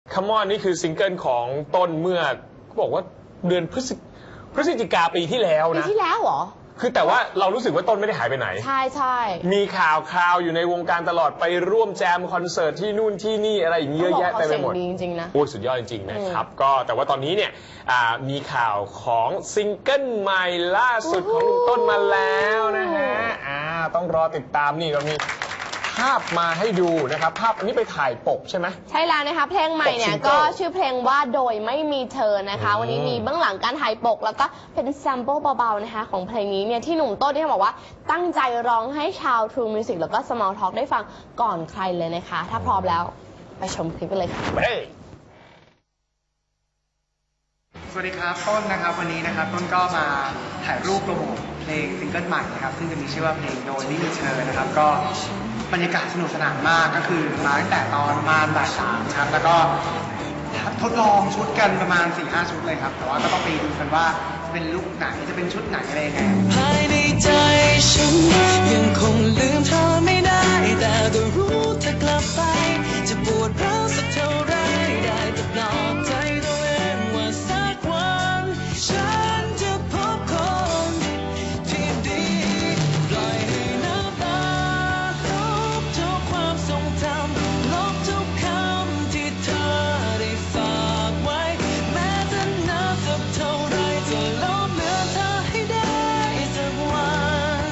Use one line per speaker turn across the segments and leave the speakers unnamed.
Come on นี่คือซิงเกิลของต้นเมื่อบอกว่าเดือนพฤศจิกาปีที่แล้วนะ
ปีที่แล้วเหรอ
คือแต่ว่าเรารู้สึกว่าต้นไม่ได้หายไปไหน
ใช่ใช่
มีข่าวอยู่ในวงการตลอดไปร่วมแจมคอนเสิร์ตที่นู่นที่นี่อะไรอย่างเงี้ยเยอะแยะเต็มไปหมด
เขาเสียงดีจริงๆนะ
โอ้ยสุดยอดจริงๆนะครับก็แต่ว่าตอนนี้เนี่ยมีข่าวของซิงเกิลใหม่ล่าสุดของลุงต้นมาแล้วนะฮะต้องรอติดตามนี่เรามีภาพมาให้ดูนะครับภาพอันนี้ไปถ่ายปกใช่ไหม
ใช่แล้วนะคะเพลงใหม่เนี่ยก็ชื่อเพลงว่าโดยไม่มีเธอนะคะวันนี้มีเบื้องหลังการถ่ายปกแล้วก็เป็นแซมเปิลเบาๆนะคะของเพลงนี้เนี่ยที่หนุ่มต้นที่บอกว่าตั้งใจร้องให้ชาว True Music แล้วก็ Small Talk ได้ฟังก่อนใครเลยนะคะถ้าพร้อมแล้วไปชมคลิปกันเลยค่ะ
สวัสดีครับต้นนะครับวันนี้นะครับต้นก็มาถ่ายรูปโปรโมทเพลงซิงเกิลใหม่นะครับซึ่งจะมีชื่อว่าเพลงโดยไม่มีเธอนะครับก็บรรยากาศสนุกสนานมากก็คือมาตั้งแต่ตอนประมาณบ่ายสามครับแล้วก็ทดลองชุดกันประมาณ 4-5 ชุดเลยครับแต่ว่าก็ต้องไปดูกันว่าเป็นลุคไหนจะเป็นชุดไหนอะไรยังไง
ภายในใจฉันยังคงลืมเธอไม่ได้แต่ก็รู้เธอกลับไปจะปวดร้าวสักเท่าไรได้แต่ปลอบใจตัวเองว่าสักวันฉันจะพบคนที่ดีปล่อยให้น้ำตาลบทุกความทรงจำลบทุกคำที่เธอได้ฝากไว้แม้จะนานสักเท่าไรจะลบเหลือเธอให้ได้สักวัน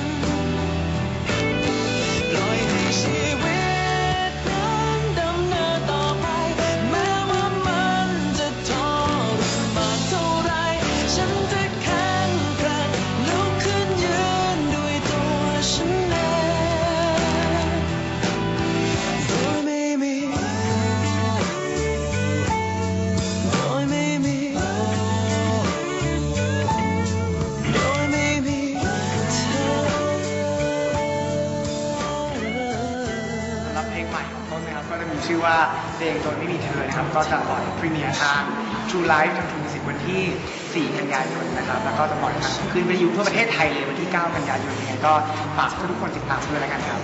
ปล่อยให้ชีวิตนั้นดำเนินต่อไปแม้ว่ามันจะทรมานเท่าไรฉันจะแข็งแกร่งลุกขึ้นยืนด้วยตัวฉันเองโดยไม่มีโดยไม่มีโดยไม่มีเธอ
สำหรับเพลงใหม่ของต้นนะครับก็จะมีชื่อว่าเพลงโดยไม่มีเธอนะครับก็จะปล่อยพรีเมียร์ทาง True Life ทาง True Music วันที่ 4 กันยายนนะครับแล้วก็จะปล่อยทางขึ้นวิทยุทั่วประเทศไทยเลยวันที่ 9 กันยายนยังไงก็ฝากทุกคนติดตามด้วยแล้วกันครับ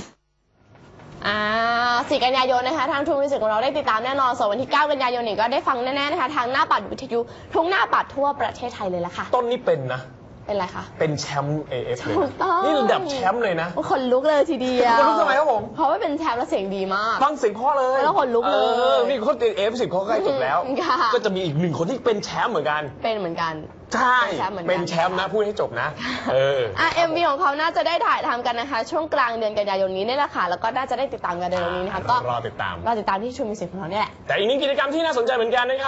4 กันยายนนะคะทาง True Music ของเราได้ติดตามแน่นอนส่วนวันที่ 9 กันยายนนี่ก็ได้ฟังแน่ๆนะคะทางหน้าปัดวิทยุทุกหน้าปัดทั่วประเทศไทยเลยละค่ะ
ต้นนี่เป็นนะ
เป็นไรคะ
เป็นแชมป์ AF เลย
ถูกต้อง
นี่ระดับแชมป์เลยนะ
คนลุกเลยทีเดียว
คนลุกทำไมครับผม
เพราะว่าเป็นแชมป์แล้วเสียงดีมาก
ฟังเสียงพ่อเลย
แล้วคนลุกเลย
นี่เขาAF10เขาใกล้จบแล้ว
ค่ะ
ก็จะมีอีกหนึ่งคนที่เป็นแชมป์เหมือนกัน
เป็นเหมือนกัน
ใช่
เป็
เป็น
น
แช
แช
ม
มป์
ป์
เหมื
นะ
อนกัน
พูดให้จบนะ
MV ของเขาน่าจะได้ถ่ายทำกันนะคะช่วงกลางเดือนกันยายนนี้นี่แหละค่ะแล้วก็น่าจะได้ติดตามกันในเดือนนี้นะคะก็
รอติดตาม
รอติดตามที่ True Music ของเราเนี่ยแหละ
แต่อีกหนึ่งกิจกรรมที่น่าสนใจเหมือนกันนะครับ